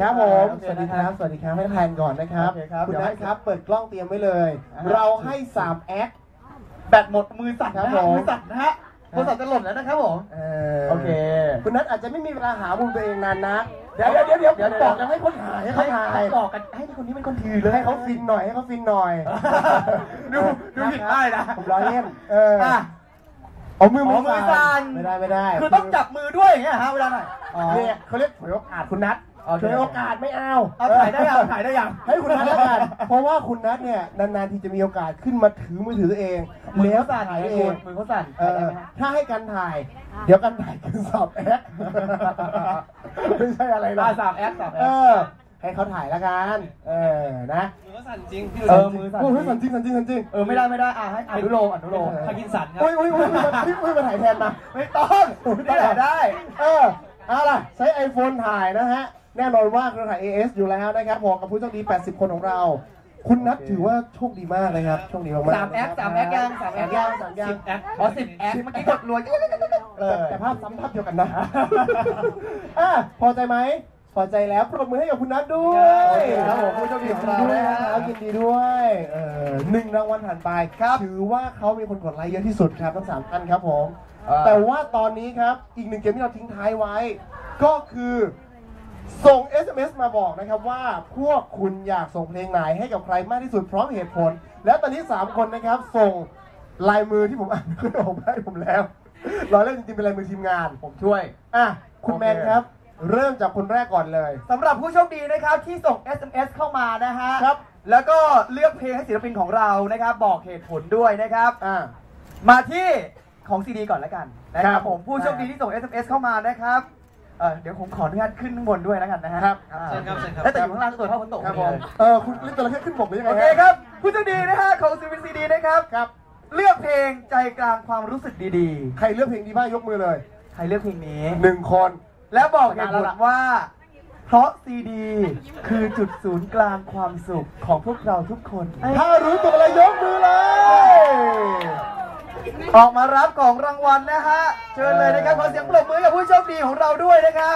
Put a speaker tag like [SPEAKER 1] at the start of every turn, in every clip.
[SPEAKER 1] ครับผมสวัสดีครับสวัสดีครับให้แทนก่อนนะครับคุณนัทครับเปิดกล้องเตรียมไว้เลยเราให้3แอค
[SPEAKER 2] แบตหมดมือสั่นนะมือสั่นนะฮะโทรศัพท์จะหล่นแล้วนะครับผมโอเค
[SPEAKER 1] คุณนัทอาจจะไม่มีเวลาหามุมตัวเองนานนะเดี๋ยวบอกกันให้คนถ่ายให้เขาถ่าย
[SPEAKER 2] บอกกันให้คนนี้เป็นคนถือเลย
[SPEAKER 1] ให้เขาฟินหน่อยให้เขาฟินหน่อย
[SPEAKER 2] ดูผิดได้นะ
[SPEAKER 1] ผมล้อเล่นเอามือ
[SPEAKER 2] สั่น
[SPEAKER 1] ไม่ได้
[SPEAKER 2] คือต้องจับมือด้วยอย่างเงี้ยฮะเวลาไหน
[SPEAKER 1] เนี่ยเขาเรียกฉวยโอกาสคุณนัทฉวยโอกาสไม่เอา
[SPEAKER 2] ถ่ายได้ยัง
[SPEAKER 1] ให้คุณนัทแล้วกันเพราะว่าคุณนัทเนี่ยนานๆทีจะมีโอกาสขึ้นมาถือมือถือเองแล้วถ่ายเอง
[SPEAKER 2] มือเขาสั่น
[SPEAKER 1] ถ้าให้กันถ่ายเดี๋ยวกันถ่ายคือสอบแอคไม่ใช่อะไรหรอก
[SPEAKER 2] สอบแอค
[SPEAKER 1] ให้เขาถ่ายแล้วกันนะ
[SPEAKER 2] มือสั่นจริง
[SPEAKER 1] มือสั่นจริง
[SPEAKER 2] ไม่ได้ให้อนุโลมพากินสันครับ
[SPEAKER 1] อุ้ยมาถ่ายแทนมา
[SPEAKER 2] ไม่ต้องได้
[SPEAKER 1] เอาล่ะใช้ iPhone ถ่ายนะฮะแน่นอนว่าเครือข่าย AS อยู่แล้วนะครับบอกกับผู้โชคดี80คนของเราคุณนัทถือว่าโชคดีมากเลยครับโชคดีมาก
[SPEAKER 2] 3แอคยัง10 แอคอ๋อ10 แอคเมื่อกี้กดรัว
[SPEAKER 1] แต่ภาพซ้ำภาพเดียวกันนะพอใจไหมพอใจแล้วปรบมือให้กับคุณนัทด้วยครับผมผู้โชคดีของเรานะครับยินดีด้วย1 รางวัลผ่านไปถือว่าเขามีคนกดไลค์เยอะที่สุดครับทั้ง3ท่านครับผมแต่ว่าตอนนี้ครับอีก1เกมที่เราทิ้งท้ายไว้ก็คือส่ง SMS มาบอกนะครับว่าพวกคุณอยากส่งเพลงไหนให้กับใครมากที่สุดพร้อมเหตุผลแล้วตอนนี้3คนนะครับส่งลายมือที่ผมอ่านขึ้นออกให้ผมแล้วรอเล่นจริงๆเป็นลายมือทีมงาน
[SPEAKER 2] ผมช่วย
[SPEAKER 1] คุณแมนครับเริ่มจากคนแรกก่อนเลย
[SPEAKER 2] สำหรับผู้โชคดีนะครับที่ส่ง SMS เข้ามานะฮะครับแล้วก็เลือกเพลงให้ศิลปินของเรานะครับบอกเหตุผลด้วยนะครับมาที่ของซีดีก่อนแล้วกันนะครับผมผู้โชคดีที่ส่ง SMS เข้ามานะครับเดี๋ยวผมขออนุญาตขึ้นข้างบนด้วยแล้วกันนะฮะ
[SPEAKER 1] ครับ
[SPEAKER 2] เชิญครับแต่อยู่ข้างล่างตัวเท่าฝนตก
[SPEAKER 1] ครับผมคุณเล่นตัวละแค่ขึ้นบกหรือยังไง
[SPEAKER 2] โอเคครับผู้โชคดีนะฮะของศิลปินซีดีนะครับเลือกเพลงใจกลางความรู้สึกดี
[SPEAKER 1] ๆใครเลือกเพลงดีบ้างยกมือเลย
[SPEAKER 2] ใครเลือกเพลงนี้
[SPEAKER 1] 1 คน
[SPEAKER 2] แล้วบอกเหตุผลว่าเพราะซีดีคือจุดศูนย์กลางความสุขของพวกเราทุกคน
[SPEAKER 1] ถ้ารู้ตัวอะไรยกมือเลย
[SPEAKER 2] ออกมารับของรางวัลนะฮะเชิญเลยนะครับขอเสียงปรบมือกับผู้โชคดีของเราด้วยนะครับ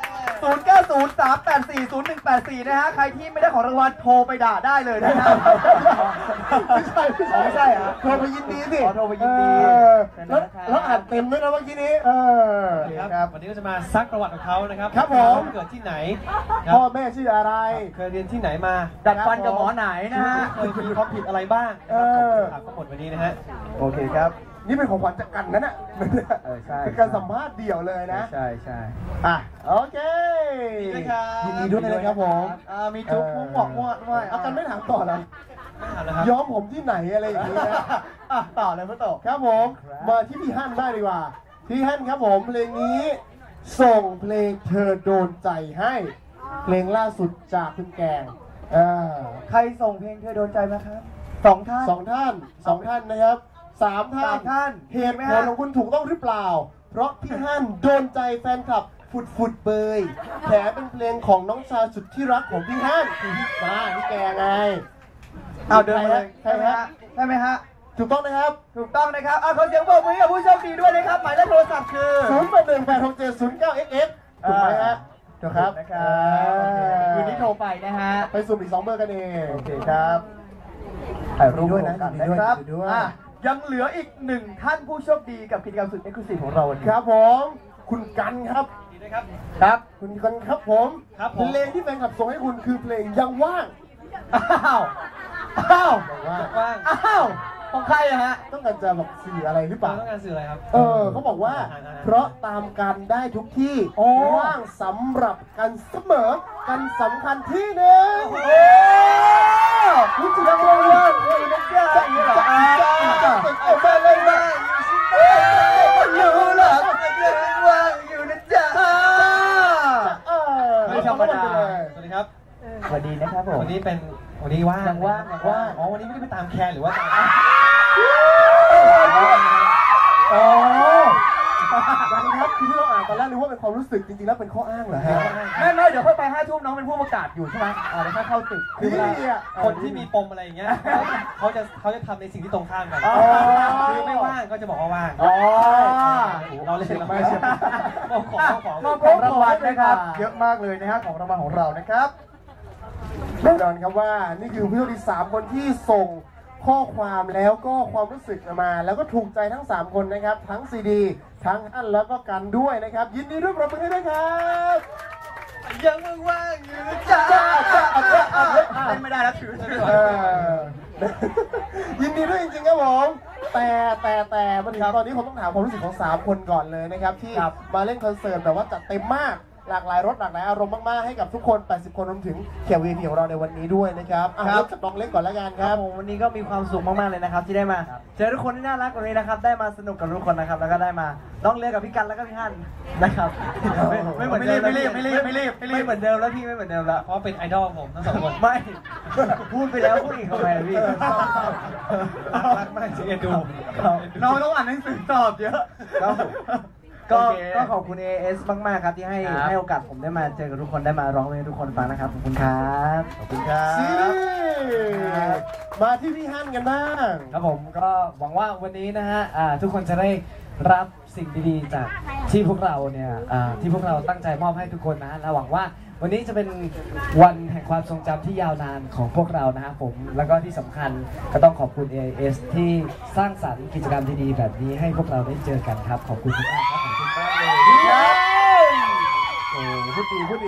[SPEAKER 2] 0903840184นะฮะใครที่ไม่ได้ของรางวัลโทรไปด่าได้เลยนะครับ
[SPEAKER 1] ไม่ใช่โทรไปยินดีสิ
[SPEAKER 2] โทรไปยินดี
[SPEAKER 1] แล้วอ่านเต็มด้วยนะเมื่อกี้นี้
[SPEAKER 3] ครับวันนี้ก็จะมาซักประวัติของเขานะครับ
[SPEAKER 1] ครับผม
[SPEAKER 3] เกิดที่ไหน
[SPEAKER 1] พ่อแม่ชื่ออะไร
[SPEAKER 3] เคยเรียนที่ไหนมา
[SPEAKER 2] ดัดฟันกับหมอไหนนะฮะ
[SPEAKER 3] เคยมีความผิดอะไรบ้างถามทั้งหมดวันนี้นะฮะ
[SPEAKER 1] โอเคครับนี่เป็นของขวัญจากกันนั่นน่ะ
[SPEAKER 2] ใช่
[SPEAKER 1] เป็นการสัมภาษณ์เดี่ยวเลยนะ
[SPEAKER 2] ใช่
[SPEAKER 1] โอเคยินดีด้วยนะครับผม
[SPEAKER 2] มีจุ๊บมุ้งหมอกมั่วด้วย
[SPEAKER 1] เอากันไม่ถามต่อแล้วย้อมผมที่ไหนอะไรอย่างนี้นะ
[SPEAKER 2] ต่อเลยพ่อโต
[SPEAKER 1] ครับผมมาที่พี่ฮั่นได้ดีกว่าพี่ฮั่นครับผมเพลงนี้ส่งเพลงเธอโดนใจให้เพลงล่าสุดจากคุณแกง
[SPEAKER 2] ใครส่งเพลงเธอโดนใจมาครับ2 ท่
[SPEAKER 1] านนะครับ3 ท่านเหตุผลของคุณถูกต้องหรือเปล่าเพราะพี่ฮั่นโดนใจแฟนคลับฟุดเบยแถมเป็นเพลงของน้องชายสุดที่รักของพี่ฮั่นพี่แกไง
[SPEAKER 2] เอาเดินมาเลยใช่ไหมฮะ
[SPEAKER 1] ถูกต้องนะครับ
[SPEAKER 2] ขอเสียงปรบมือกับผู้โชคดีด้วยนะครับหมายเลขโทรศัพท์คือ
[SPEAKER 1] 08186709xx ถูกไหมฮะถูกครับ
[SPEAKER 2] คืนนี้โทรไปนะฮะ
[SPEAKER 1] ไปสุ่มอีก2 เบอร์กันเอง
[SPEAKER 2] โอเคครับถ่ายรูปด้วย
[SPEAKER 1] นะครับ
[SPEAKER 2] ยังเหลืออีก1 ท่านผู้โชคดีกับกิจกรรมสุดเอ็กซ์คลูซีฟของเรา
[SPEAKER 1] ครับผมคุณกันครับคุณกันครับผมเพลงที่แฟนคลับส่งให้คุณคือเพลงยังว่าง
[SPEAKER 2] ของใครอะฮะ
[SPEAKER 1] ต้องการจะบอกสื่ออะไรหรือเปล่า
[SPEAKER 3] ต้องการสื่ออะไรครับ
[SPEAKER 1] เขาบอกว่าเพราะตามกันได้ทุกที่ว่างสำหรับกันเสมอกันสำคัญที่หนึ่ง
[SPEAKER 2] รู้จักว่าอยู่นะจ๊ะไปเลยมาอยู่หรอกว่าอยู่นะจ๊ะไม่ธรรมดา
[SPEAKER 3] สวัสดีครับ
[SPEAKER 2] สวัสดีนะครับผม
[SPEAKER 3] วันนี้ว่าง
[SPEAKER 2] ยังว่าง
[SPEAKER 3] อ๋อวันนี้ไม่ได้ไปตามแคนหรือว่าตาม
[SPEAKER 1] ครับคือที่เราอ่านตอนแรกนึกว่าเป็นความรู้สึกจริงๆแล้วเป็นข้ออ้างเหรอฮะ
[SPEAKER 2] ไม่เดี๋ยวค่อยไป5 ทุ่มน้องเป็นผู้ประกาศอยู่ใช่ไหมเดี๋ยวค่อยเข้าตึก
[SPEAKER 3] คือเวลาคนที่มีปมอะไรอย่างเงี้ยเขาจะทำในสิ่งที่ตรงข้ามกัน
[SPEAKER 1] อ๋อ
[SPEAKER 3] คือไม่ว่างก็จะบอกว่าว่าง
[SPEAKER 1] อ๋อ
[SPEAKER 3] เราเล่นเรา
[SPEAKER 1] ไม่
[SPEAKER 3] ไม่
[SPEAKER 1] ใช่
[SPEAKER 3] ใช่ของ
[SPEAKER 2] มอบของรางวัลนะครับ เยอะมากเลยนะฮะของรางวัลของเรานะครับ
[SPEAKER 1] แน่นอนครับว่านี่คือผู้โชคดี3คนที่ส่งข้อความแล้วก็ความรู้สึกมา แล้วก็ถูกใจทั้ง3คนนะครับ ทั้งซีดีทั้งอันแล้วก็กันด้วยนะครับ ยินดีด้วยปรบมือให้ด้วยครับ
[SPEAKER 3] ยังว่างอยู่นะ
[SPEAKER 2] จ้า
[SPEAKER 3] จ๊ะ
[SPEAKER 2] เล่นไม่ได้แล้วถือ
[SPEAKER 1] เออยินดีด้วยจริงๆครับผมแต่มาถึงตอนนี้ผมต้องถามความรู้สึกของ3คนก่อนเลยนะครับที่มาเล่นคอนเสิร์ตแบบว่าจัดเต็มมากหลากหลายรสหลากหลายอารมณ์มากๆให้กับทุกคน80 คนรวมถึงแขก VIP ของเราในวันนี้ด้วยนะครับเริ่มจากน้องเล็กก่อนแล้วกันครับ
[SPEAKER 4] ผมวันนี้ก็มีความสุขมากๆเลยนะครับที่ได้มาเจอทุกคนที่น่ารักวันนี้นะครับได้มาสนุกกับทุกคนนะครับแล้วก็ได้มาน้องเลือกับพี่กันแล้วก็พี่ฮั่นนะครับไม่เหมือนเดิมไม่เหมือนเดิมแล้วพี่ไม่เหมือนเดิมแล้ว
[SPEAKER 3] เพราะเป็นไอดอลผมทั้งสองคน
[SPEAKER 4] ไม่พูดไปแล้วพูดอีกทำไมพี่
[SPEAKER 3] รักมากจริงดู
[SPEAKER 2] น้องต้องอ่านหนังสือตอบเยอะ
[SPEAKER 4] ก็ขอบคุณ AS มากๆครับที่ให้โอกาสผมได้มาเจอกับทุกคนได้มาร้องเพลงให้ทุกคนฟังนะครับขอบคุณครับ
[SPEAKER 1] ขอบคุณครับซีมาที่พี่ฮั่นกันบ้าง
[SPEAKER 5] ครับผมก็หวังว่าวันนี้นะฮะทุกคนจะได้รับสิ่งดีๆจากที่พวกเราเนี่ยที่พวกเราตั้งใจมอบให้ทุกคนนะและหวังว่าวันนี้จะเป็นวันแห่งความทรงจำที่ยาวนานของพวกเรานะครับผมแล้วก็ที่สำคัญก็ต้องขอบคุณ AIS ที่สร้างสรรค์กิจกรรมดีๆแบบนี้ให้พวกเราได้เจอกันครับขอบคุณทุกท่านครับขอบคุณมากเลย
[SPEAKER 1] โอ้พูด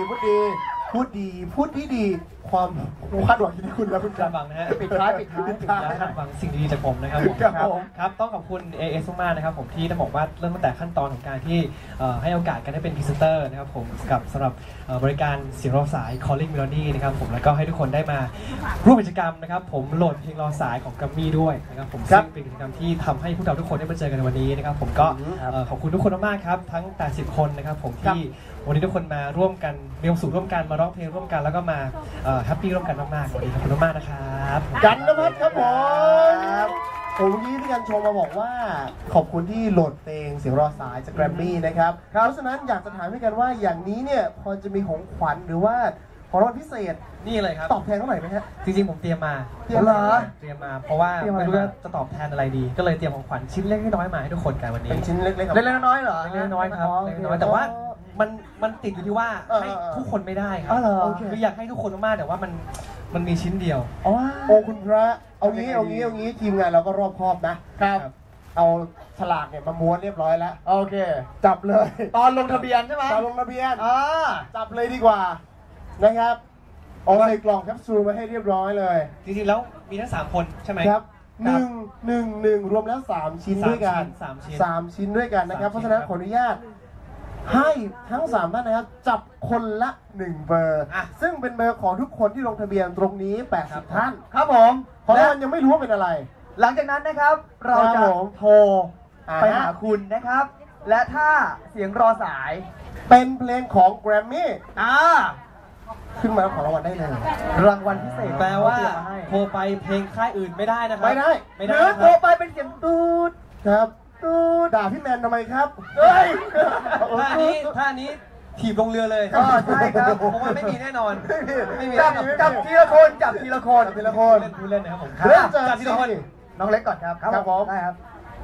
[SPEAKER 1] ดีความคาดหวังที่คุณแล้วคุณ
[SPEAKER 3] คาดหวังนะฮะ
[SPEAKER 2] ปิดท้าย
[SPEAKER 3] คาดหวังสิ่งดีๆจากผมนะครับผม
[SPEAKER 1] ครับผม
[SPEAKER 3] ครับต้องขอบคุณ AS มากๆนะครับผมที่ต้องบอกว่าเริ่มตั้งแต่ขั้นตอนของการที่ให้โอกาสกันได้เป็นพรีเซนเตอร์นะครับผมกับสำหรับบริการเสียงรอสาย Calling Melody นะครับผมแล้วก็ให้ทุกคนได้มาร่วมกิจกรรมนะครับผมโหลดเพลงรอสายของกัมมี่ด้วยนะครับผมซึ่งเป็นกิจกรรมที่ทำให้พวกเราทุกคนได้มาเจอกันในวันนี้นะครับผมก็ขอบคุณทุกคนมากๆครับทั้ง80 คนนะครับผมที่วันนี้ทุกคนมาร่วมกันมีความสุขร่วมกันมาร้องเพลงร่วมกันแล้วก็มาแฮปปี้ร่วมกันมากๆวันนี้ขอบคุณมากๆนะครับ
[SPEAKER 1] กันนภัทรครับผมเมื่อกี้พี่กันชมมาบอกว่าขอบคุณที่โหลดเพลงเสียงรอสายจากแกรมมี่นะครับเพราะฉะนั้นอยากจะถามพี่กันว่าอย่างนี้เนี่ยพอจะมีของขวัญหรือว่าของรางวัลพิเศษ
[SPEAKER 3] นี่เลยครับ
[SPEAKER 1] ตอบแทนเท่าไหร่ไหมฮะ
[SPEAKER 3] จริงๆผมเตรียมมา
[SPEAKER 1] เตรียมเหรอ
[SPEAKER 3] เตรียมมาเพราะว่าไม่รู้ว่าจะตอบแทนอะไรดี ก็เลยเตรียมของขวัญชิ้นเล็กน้อยมาให้ทุกคนกันวันนี้
[SPEAKER 1] เป็นชิ้นเล็กๆครับ
[SPEAKER 2] เล็กๆน้อยๆเหรอ
[SPEAKER 3] เล็กน้อยครับเล็กน้อยแต่ว่ามันติดอยู่ที่ว่าให้ทุกคนไม่ได้ครั
[SPEAKER 2] อ๋อเหรอ
[SPEAKER 3] คืออยากให้ทุกคนมากๆแต่ว่ามันมีชิ้นเดียว
[SPEAKER 1] โอ้คุณพระเอางี้ทีมงานเราก็รอบคอบนะครับ เอาฉลากเนี่ยมาม้วนเรียบร้อยแล้ว
[SPEAKER 2] โอเค
[SPEAKER 1] จับเลย
[SPEAKER 2] ตอนลงทะเบียนใช่ไหม
[SPEAKER 1] ตอนลงทะเบียน
[SPEAKER 2] อ่า
[SPEAKER 1] จับเลยดีกว่านะครับเอาใส่กล่องแคปซูลมาให้เรียบร้อยเลย
[SPEAKER 3] จริงๆแล้วมีทั้ง3คนใช่ไหม
[SPEAKER 1] ครับหนึ่งรวมแล้ว3ชิ้นด้วยกัน
[SPEAKER 3] สามชิ้น
[SPEAKER 1] 3 ชิ้นด้วยกันนะครับ
[SPEAKER 3] 3
[SPEAKER 1] เพราะฉะนั้นขออนุญาตให้ทั้ง3ท่านนะครับจับคนละ1เบอร์
[SPEAKER 3] อ่ะ
[SPEAKER 1] ซึ่งเป็นเบอร์ของทุกคนที่ลงทะเบียนตรงนี้80ท่าน
[SPEAKER 2] ครับผม
[SPEAKER 1] เพราะ
[SPEAKER 2] และ
[SPEAKER 1] มันยังไม่รู้ว่าเป็นอะไร
[SPEAKER 2] หลังจากนั้นนะครับ เรา
[SPEAKER 1] ครั
[SPEAKER 2] จะ
[SPEAKER 1] บผม
[SPEAKER 2] โทรไป
[SPEAKER 1] อ่า
[SPEAKER 2] หาคุณนะครับ และถ้าเสียงรอสาย
[SPEAKER 1] เป็นเพลงของแกรมมี่
[SPEAKER 2] อ่า
[SPEAKER 1] ขึ้นมาแล้วของรางวัลได้เลย
[SPEAKER 2] รางวัลพิเศษ
[SPEAKER 3] แปลว่า
[SPEAKER 2] เตรียมมาให้
[SPEAKER 3] โทรไปเพลงค่ายอื่นไม่ได้นะครับ
[SPEAKER 1] ไม่ได้
[SPEAKER 3] ไม่
[SPEAKER 2] ห
[SPEAKER 3] ได้
[SPEAKER 2] รือ
[SPEAKER 3] นะ
[SPEAKER 2] โท
[SPEAKER 3] ค
[SPEAKER 2] ร
[SPEAKER 3] รับ
[SPEAKER 2] ไปเป็นเสียงตูด
[SPEAKER 1] ครับด่าพี่แมนทำไมครับ
[SPEAKER 2] เฮ้ย
[SPEAKER 3] ถ้านี้ถีบลงเรือเลย
[SPEAKER 2] อ๋อใช่ครับ
[SPEAKER 3] เพราะว่าไม่มีแน่นอนไม่มี
[SPEAKER 2] จับทีละคนจับทีละคน
[SPEAKER 1] ทีละคน
[SPEAKER 3] เล่นพูดเล่นนะครับผม
[SPEAKER 1] เริ่มจาก
[SPEAKER 3] จับทีละคน
[SPEAKER 2] น้องเล็กก่อนครับ
[SPEAKER 1] ครับผม
[SPEAKER 2] ได้ครับ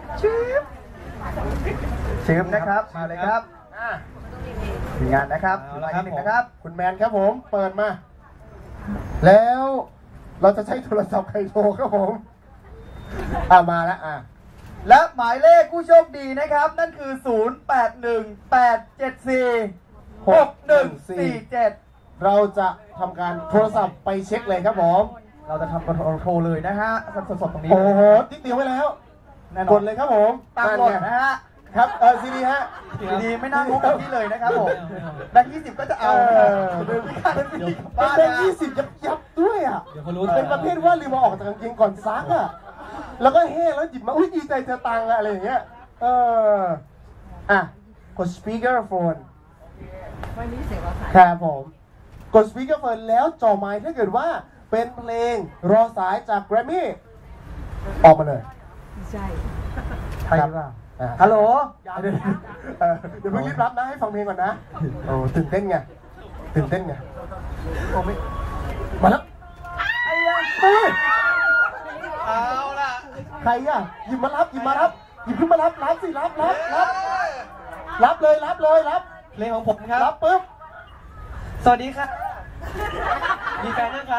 [SPEAKER 2] ชิมนะครับมาเลยครับทีมงานนะครับ
[SPEAKER 3] เอาละครับ
[SPEAKER 2] ทีมงานนะครับ
[SPEAKER 1] คุณแมนครับผม เปิดมา แล้วเราจะใช้โทรศัพท์ใครโทรครับผมมาแล้ว
[SPEAKER 2] และหมายเลขผู้โชคดีนะครับ นั่นคือ 0818746147
[SPEAKER 1] เราจะทำการโทรศัพท์ไปเช็คเลยครับผม
[SPEAKER 2] เราจะทำโทรเลยนะฮะสดๆตรงนี้
[SPEAKER 1] โอ้โหติ๊กเดียวไว้แล้ว
[SPEAKER 2] แน่น
[SPEAKER 1] ก
[SPEAKER 2] อ
[SPEAKER 1] ด
[SPEAKER 2] น
[SPEAKER 1] เลยครับผม
[SPEAKER 2] ตามกฎนะฮะ
[SPEAKER 1] ครับซีดีฮะ
[SPEAKER 2] ดีๆไม่น่างงแบบนี้เลยนะครับผมแบงค์20 ก็จะเอา
[SPEAKER 1] เดิน
[SPEAKER 2] บ้า
[SPEAKER 1] เป็น
[SPEAKER 2] นะ
[SPEAKER 1] 20ยับด้วยอ่ะ
[SPEAKER 3] เดี๋ยวเขารู้
[SPEAKER 1] เป็นประเภทว่าลืมมาออกจากกางเกงก่อนซักอ่ะ แล้วก็แห้งแล้วหยิบมา อุ้ยดีใจเจอตังค์อะอะไรอย่างเงี้ย กด speaker phone ครับผม กด speaker phone แล้วจ่อไมค์ถ้าเกิดว่าเป็นเพลงรอสายจาก Grammy ออกมาเลย
[SPEAKER 2] ใช่หรือเปล่าฮัลโหล
[SPEAKER 1] เดี๋ยวเพิ่งรีบรับนะให้ฟังเพลงก่อนนะโอ้ตื่นเต้นไงมาแล้วเอาล่ะใครอ่ะหยิบขึ้นมารับสิรับเลย
[SPEAKER 3] เพลงของผมครับ
[SPEAKER 1] รับปุ๊บ
[SPEAKER 3] สวัสดีครับมีแฟนนะคะ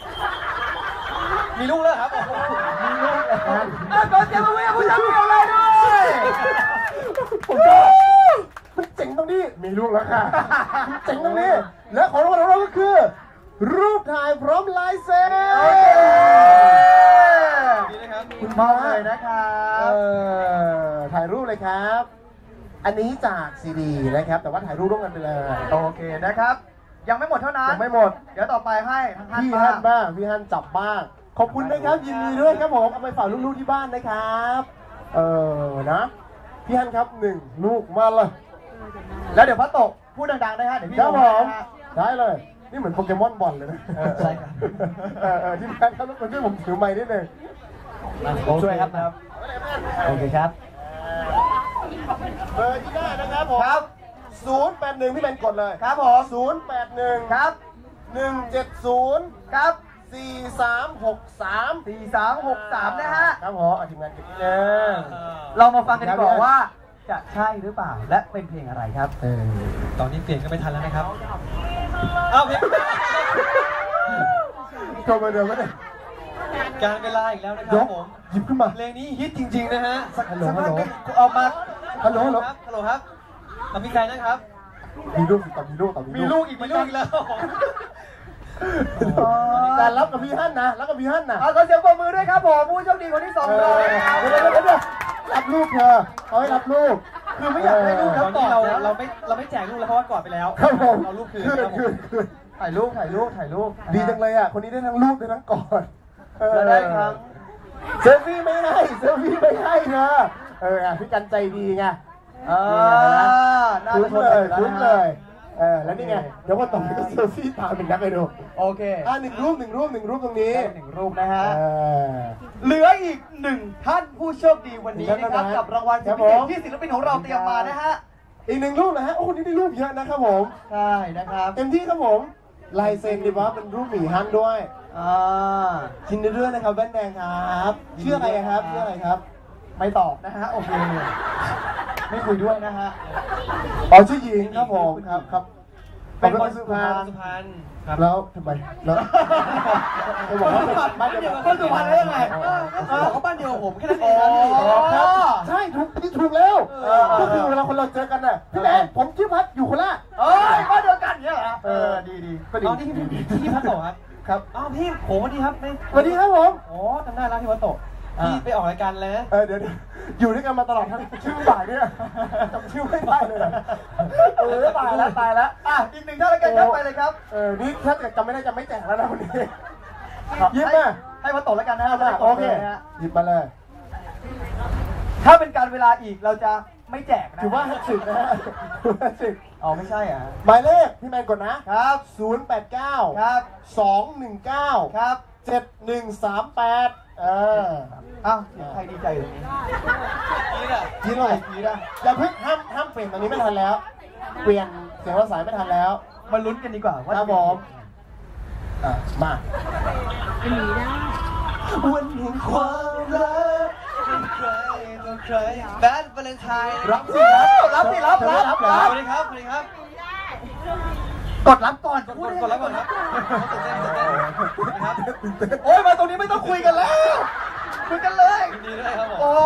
[SPEAKER 3] มีลูกแล้วครับมีลูกแล้ว
[SPEAKER 2] ก่อนจะมาเวียผู้ชมเดียวเลยด้วย
[SPEAKER 1] ผมก็มันเจ๋งตรงนี้มีลูกแล้วค่ะมันเจ๋งตรงนี้และของรางวัลของเราก็คือ รูปถ่ายพร้อมลายเซ็น
[SPEAKER 3] ดีนะครับ
[SPEAKER 1] คุณ
[SPEAKER 2] ม
[SPEAKER 1] มา
[SPEAKER 2] อบเลยนะครับ
[SPEAKER 1] ถ่ายรูปเลยครับ อันนี้จากซีดีนะครับ แต่ว่าถ่ายรูปร่วมกันไปเลย
[SPEAKER 2] โอเคนะครับ ยังไม่หมดเท่านั้น
[SPEAKER 1] ยังไม่หมด
[SPEAKER 2] เดี๋ยวต่อไปให้ทั้งท่าน
[SPEAKER 1] พี่
[SPEAKER 2] บ้า
[SPEAKER 1] ฮั
[SPEAKER 2] ง
[SPEAKER 1] นบ้างพี่ฮันจับบ้างขอบคุณนะครับยินดีด้วยครับผมเอาไปฝากลูกๆที่บ้านนะครับนะพี่ฮันครับ1 ลูกมาเลย
[SPEAKER 2] แล้วเดี๋ยวพระตกพูดดังๆได้ฮะเดี๋ยวพี่
[SPEAKER 1] ครับ
[SPEAKER 2] ล
[SPEAKER 1] ผ
[SPEAKER 2] ง
[SPEAKER 1] ม
[SPEAKER 2] นะฮะ
[SPEAKER 1] ได้เลยนี่เหมือนโปเกมอนบอลเลยนะ
[SPEAKER 2] ใช่ครับ
[SPEAKER 1] ที่บ้านครับแล้วคนช่วยผมถือไม้นิดนึง
[SPEAKER 5] ช่วยครับโอเคครับ
[SPEAKER 1] เบอร์ที่ได้นะครับผม
[SPEAKER 2] ครับ
[SPEAKER 1] 081พี่แมนกดเลย
[SPEAKER 2] ครับผม
[SPEAKER 1] 081
[SPEAKER 2] ครับ
[SPEAKER 1] 170
[SPEAKER 2] ครับ
[SPEAKER 1] 4363
[SPEAKER 2] 4363นะฮะ
[SPEAKER 1] ครับผมทีมงานเก็บนิดนึง
[SPEAKER 2] เรามาฟังกันดีกว่าว่าจะใช่หรือเปล่าและเป็นเพลงอะไรครับ
[SPEAKER 3] ตอนนี้เปลี่ยนก็ไม่ทันแล้วนะครับอ้าวเพลง
[SPEAKER 1] โทรมาเดิมก็ได้
[SPEAKER 3] การเวลาอีกแล้วนะค
[SPEAKER 1] ย
[SPEAKER 3] รับ
[SPEAKER 1] ก
[SPEAKER 3] ผม
[SPEAKER 1] หยิบขึ้นมา
[SPEAKER 3] เพลงนี้ฮิตจริงๆนะฮะ
[SPEAKER 1] ฮัลโหลฮัลโหล
[SPEAKER 3] ออกมา
[SPEAKER 1] ฮัลโหล
[SPEAKER 3] ครับฮัลโหลครับเรามีใครนะครับ
[SPEAKER 1] มีลูกต่อมีลูก
[SPEAKER 3] อีกแล้ว
[SPEAKER 1] แต่รับกับพี่ฮั่นนะรับกับพี่ฮั่นนะ
[SPEAKER 2] เอาขอเสียงปรบมือด้วยครับผมผู้โชคดีคนที่2ของเรานะครับ
[SPEAKER 1] เดี๋ยวรับลูกเธอเขาให้รับลูก
[SPEAKER 2] คือไม่อยากได้ลูก
[SPEAKER 3] ต
[SPEAKER 2] แล้
[SPEAKER 3] อ
[SPEAKER 2] วน ก
[SPEAKER 3] นี้
[SPEAKER 2] อด
[SPEAKER 3] เรา
[SPEAKER 2] แล้ว
[SPEAKER 3] ไม่แจกลูกแล้วเพราะว่ากอดไปแล้ว
[SPEAKER 1] ครับผม
[SPEAKER 3] เราลูกคืน
[SPEAKER 1] คืน
[SPEAKER 3] ครับผม
[SPEAKER 2] ถ่ายรูป
[SPEAKER 1] ดีจังเลยอ่ะคนนี้ได้ทั้งลูกได้ทั้งกอด
[SPEAKER 2] แล้วได้ครับ
[SPEAKER 1] เซลฟี่ไม่ให้เธอพี่กันใจดีไง
[SPEAKER 2] น่า
[SPEAKER 1] คุ้
[SPEAKER 2] จะ
[SPEAKER 1] น
[SPEAKER 2] ชน
[SPEAKER 1] เล
[SPEAKER 2] กัน
[SPEAKER 1] ย
[SPEAKER 2] อยู่
[SPEAKER 1] คุ้น
[SPEAKER 2] แล้ว
[SPEAKER 1] เล
[SPEAKER 2] นะ
[SPEAKER 1] ยแล้วนี่ไงเดี๋ยววันต่อไปก็เซลฟี่ตามเป็นนักไปดู
[SPEAKER 2] โอเค
[SPEAKER 1] หนึ่งรูปตรงนี้
[SPEAKER 2] ได้1 รูปนะฮะ
[SPEAKER 1] เออ
[SPEAKER 2] เหลืออีก1 ท่านผู้โชคดีวันนี้นะครับ กับรางวัลสุดพิเศษที่ศิลปินของเราเตรียมมานะฮะ
[SPEAKER 1] อีก1 รูปนะฮะโอ้คนนี้ได้รูปเยอะนะครับผม
[SPEAKER 2] ใช่นะครับ
[SPEAKER 1] เต็มที่ครับผมลายเซ็นดีว่าเป็นรูปหมีฮันด้วย ยินดีด้วยนะครับแว่นแดงครับชื่ออะไรครับ
[SPEAKER 2] ไม่ตอบนะฮะ โอเค ไม่คุยด้วยนะฮะ
[SPEAKER 1] อ๋อชื่อหญิงครับผมครับ
[SPEAKER 2] เป็นคนสุ
[SPEAKER 1] สุ
[SPEAKER 2] พร
[SPEAKER 1] พร
[SPEAKER 2] ร
[SPEAKER 1] ร
[SPEAKER 2] ณ
[SPEAKER 1] ณ
[SPEAKER 3] สุพรรณครับ
[SPEAKER 1] แล้วทำไมแล้วจะบอกว่าเป็นบ้านเดียวกัน
[SPEAKER 2] คนสุพรรณได้ยังไง
[SPEAKER 3] เขาบอกว่าบ้านเดียวกับผมแค่นั้นเอ
[SPEAKER 2] อ๋
[SPEAKER 3] งครับพี่
[SPEAKER 1] ครับใช่ถูกแล้วก็คือเวลาคนเราเจอกันน่ะพี่แมนผมชื่อพัดอยู่โคราช
[SPEAKER 2] เอ้ยบ้านเดียวกันเนี่ยเหรอดีก็ดี
[SPEAKER 3] อ๋อนี่พี่พัดโตะครับ
[SPEAKER 1] ครับ
[SPEAKER 3] อ้าวพี่ผมสวัสดีครับ
[SPEAKER 1] สวัสดีครับผม
[SPEAKER 3] โอ้จำได้แล้วพี่พัดโตะพี่ไปออกรายการแล้วนะ
[SPEAKER 1] เดี๋ยวอยู่ด้วยกันมาตลอดทั้งชื่อบ่ายเนี่ยจำชื่อไม่ได้เลยตายแล้ว
[SPEAKER 2] อีก1 ท่านแล้วกันครับไปเลยครับ
[SPEAKER 1] นี่ถ้าเกิดจำไม่ได้จะไม่แจกแล้วนะวันนี้หยิบมา
[SPEAKER 2] ให้มาตกแล้วกันนะฮะ
[SPEAKER 1] โอเคหยิบมาเลย
[SPEAKER 2] ถ้าเป็นการเวลาอีกเราจะไม่แจกนะ
[SPEAKER 1] ถือว่า10นะฮะ10
[SPEAKER 2] อ๋อไม่ใช่อ่ะ
[SPEAKER 1] หมายเลขพี่แมนกดนะครับ089
[SPEAKER 2] ครับ
[SPEAKER 1] 219
[SPEAKER 2] ครับ
[SPEAKER 1] 7138
[SPEAKER 2] อ้าวเสียงใครดีใจอยู่ตรงนี้
[SPEAKER 1] ยินเลยอย่าเพิ่งห้ามเปลี่ยนตอนนี้ไม่ทันแล้ว เปลี่ยนเสียงภาษาไม่ทันแล้ว
[SPEAKER 2] มาลุ้นกันดีกว่าว่า
[SPEAKER 1] ครับผมมา
[SPEAKER 3] วันแห่งความรักเป็นใครต่อใครแบดวาเลนไทน์
[SPEAKER 1] รับสิครับ
[SPEAKER 2] รับสิรับ
[SPEAKER 3] สวัสดีครับสวัสดีครับ
[SPEAKER 2] กดรับก่อน
[SPEAKER 3] กดแล้วก่อนครับตื่นเต้นครับ
[SPEAKER 2] โอ้ยมาตรงนี้ไม่ต้องคุยกันแล้วคุยกันเลย
[SPEAKER 3] ยินดีด้วยครับผม
[SPEAKER 2] โอ้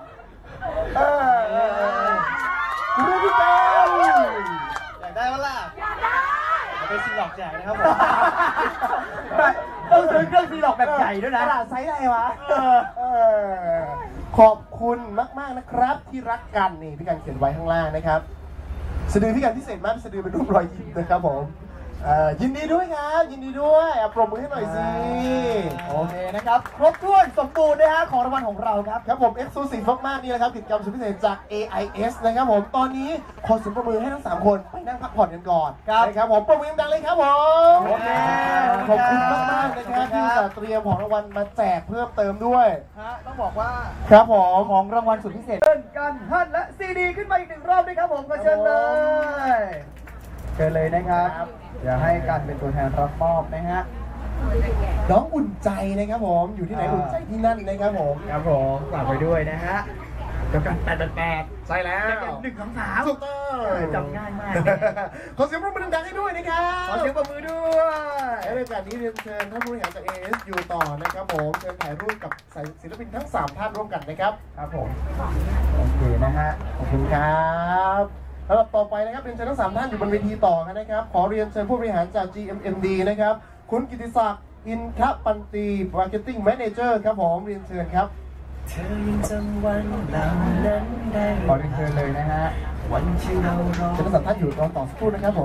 [SPEAKER 1] คุณพี่แก้ว
[SPEAKER 3] อยากได้ปะล่ะเป็นซีหลอกแจกนะครับผม
[SPEAKER 2] ต้องซื้อเครื่องซีหลอกแบบใหญ่ด้วยนะ
[SPEAKER 1] กระดาษไซส์อะไรวะขอบคุณมากๆนะครับที่รักกันนี่พี่กันเขียนไว้ข้างล่างนะครับสะดือพี่กันพิเศษมากสะดือเป็นรูปรอยยิ้มนะครับผมยินดีด้วยครับยินดีด้วยปรบมือให้หน่อยสิ
[SPEAKER 2] โอเคนะครับครบถ้วนสมบูรณ์นะฮะของรางวัลของเราครับ
[SPEAKER 1] ครับผม Exclusive มากๆนี่แหละครับกิจกรรมสุดพิเศษจาก AIS นะครับผมตอนนี้ขอเสียงปรบมือให้ทั้ง3คนไปนั่งพักผ่อนกันก่อนนะครับผมปรบมือดังๆเลยครับผม
[SPEAKER 2] โอเค
[SPEAKER 1] ขอบคุณมากๆนะครับที่จัดเตรียมของรางวัลมาแจกเพิ่มเติมด้วย
[SPEAKER 2] ต้องบอกว่า
[SPEAKER 1] ครับผม
[SPEAKER 2] ของรางวัลสุดพิเศษเชิญกันฮั่นและซีดีขึ้นมาอีก1 รอบด้วยครับผมก็เชิญเลยเชิญเลยนะครับเดี๋ยวให้กันเป็นตัวแทนรับมอบนะฮะ
[SPEAKER 1] น้องอุ่นใจนะครับผมอยู่ที่ไหนอุ่นใจที่นั่นนะครับผม
[SPEAKER 2] ครับผมฝากไว้ด้วยนะฮะเดี๋ยวกัน
[SPEAKER 1] ใช่แล้ว
[SPEAKER 2] 1 2
[SPEAKER 1] ถูกต้อง
[SPEAKER 2] 3จำง่ายมาก
[SPEAKER 1] ขอเสียงปรบมือดังๆให้ด้วยนะครับ
[SPEAKER 2] ขอเสียงปรบมือด้วย
[SPEAKER 1] และในโอกาสนี้เรียนเชิญท่านผู้บริหารจาก AIS อยู่ต่อนะครับผมเชิญถ่ายรูปกับศิลปินทั้ง3ท่านร่วมกันนะครับ
[SPEAKER 2] ครับผมโอเคนะฮะ
[SPEAKER 1] ขอบคุณครับลำดับต่อไปนะครับเรียนเชิญทั้ง3ท่านอยู่บนเวทีต่อกันนะครับขอเรียนเชิญผู้บริหารจาก GMMD นะครับคุณกิติศักดิ์อินทปันตี Marketing Manager ครับผมเรียนเชิญครับ
[SPEAKER 3] เธอยังจำวันเหล่านั้นได้
[SPEAKER 2] ขอเรียนเชิญเลยนะฮะ
[SPEAKER 3] วันที่เรารอ
[SPEAKER 1] เชิญทั้ง3ท่านอยู่รอต่อสักครู่นะครับผม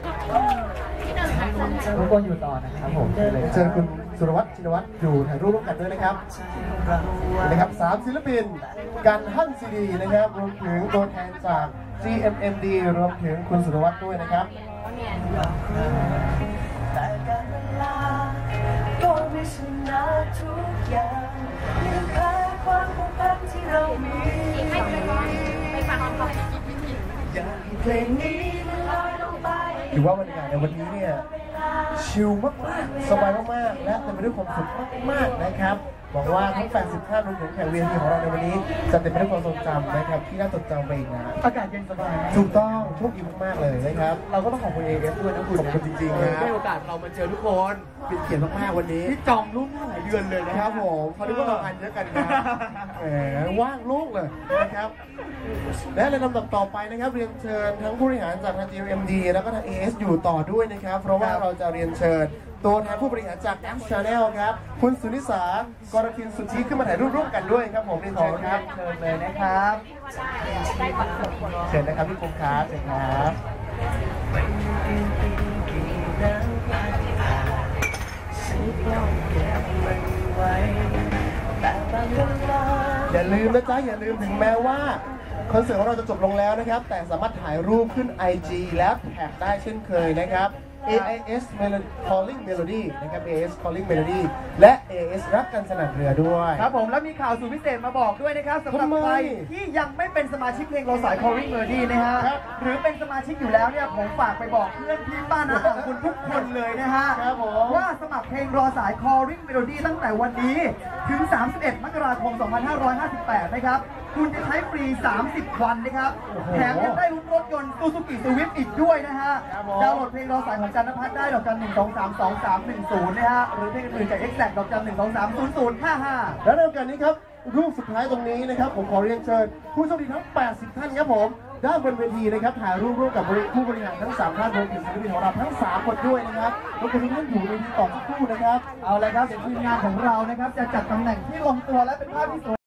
[SPEAKER 5] ทุกคนอยู่ต่อนะครับผมเชิญเลย
[SPEAKER 1] เชิญคุณสุรวัตรชินวัตรอยู่ถ่ายรูปร่วมกันด้วยนะครับ นะครับ3ศิลปินกันฮั่นซีดีนะครับรวมถึงตัวแทนจาก GMMD รวมถึงคุณสุรวัตรด้วยนะครับ
[SPEAKER 3] แต่การเวลาก็ไม่ชนะทุกอย่างยังแพ้ความผูกพันที่เรามีอยากให้เพลงนี้มันลอยลงไป
[SPEAKER 1] ถือว่าบรรยากาศในวันนี้เนี่ยชิลมากๆสบายมากๆและเต็มไปด้วยความสุขมากๆนะครับหวังว่าทั้ง80ท่านรวมถึงแขก VIP ของเราในวันนี้จะเต็มไปด้วยความทรงจำนะครับที่น่าจดจำไปอีกนะ
[SPEAKER 2] อากาศเย็นสบายนะ
[SPEAKER 1] ถูกต้องโชคดีมากๆเลยนะครับ
[SPEAKER 2] เราก็ต้องขอบคุณ AIS ด้วยนะคุณ
[SPEAKER 1] ขอบคุณจริงๆนะ
[SPEAKER 2] ได้โอกาสเรามาเจอทุกคน
[SPEAKER 1] เป็นเกียรติมากๆวันนี้
[SPEAKER 2] ที่จองล่วงหน้าหลายเดือนเลยนะ
[SPEAKER 1] ครับผมเขาเรียกว่าเรางานเยอะกันนะแหมว่างลูกเลยนะครับและในลำดับต่อไปนะครับเรียนเชิญทั้งผู้บริหารจากทาง GMD แล้วก็ทาง AS อยู่ต่อด้วยนะครับเพราะว่าเราจะเรียนเชิญตัวแทนผู้บริหารจาก App Channel ครับคุณสุนิสากรทินสุทธิขึ้นมาถ่ายรูปร่วมกันด้วยครับผมเรียนเชิญครับ
[SPEAKER 2] เชิญเลยนะครับ
[SPEAKER 1] เชิญนะครับพี่ปุ๊กครับเชิญครับ อย่าลืมนะจ๊ะอย่าลืมถึงแม้ว่าคอนเสิร์ตของเราจะจบลงแล้วนะครับแต่สามารถถ่ายรูปขึ้น IG และแท็กได้เช่นเคยนะครับ AIS Calling Melody นะครับ AIS Calling Melody และ AIS รักกันสนั่นเรือด้วย
[SPEAKER 2] ครับผมแล้วมีข่าวสุดพิเศษมาบอกด้วยนะครับสำหรับ
[SPEAKER 1] ทำไม
[SPEAKER 2] ใครที่ยังไม่เป็นสมาชิกเพลงเราสาย Calling Melody นะฮะ
[SPEAKER 1] ครับ
[SPEAKER 2] หรือเป็นสมาชิกอยู่แล้วเนี่ยผมฝากไปบอกเพื่อนพี่ป้าน้าของคุณทุกคนเลยนะฮะ
[SPEAKER 1] ครับผม
[SPEAKER 2] ว่าสมัครเพลงรอสาย Calling Melody ตั้งแต่วันนี้ถึง 31 มกราคม 2558 นะครับ คุณจะใช้ฟรี 30 วันนะครับ แถมยังได้ลุ้นรถยนต์ Suzuki Swift อีกด้วยนะฮะ
[SPEAKER 1] ครับผม
[SPEAKER 2] ดาวน์โหลดเพลงรอสายของจันทพัฒน์ได้ดอกจัน 1232310 นะฮะ หรือเพลงอื่นๆจาก Exact ดอกจัน 1230055
[SPEAKER 1] และในโอกาสนี้ครับรูปสุดท้ายตรงนี้นะครับผมขอเรียนเชิญผู้โชคดีทั้ง 80 ท่านครับผมด้านบนเวทีนะครับถ่ายรูปร่วมกับผู้บริหารทั้ง 3 ท่านรวมถึงศิลปินของเราทั้ง 3 คนด้วยนะครับรบกวนทุกท่านอยู่ในที่ต่อสักครู่นะครับ
[SPEAKER 2] เอาเลยครับเดี๋ยวทีมงานของเรานะครับจะจัดตำแหน่งที่ลงตัวและเป็นภาพที่สวย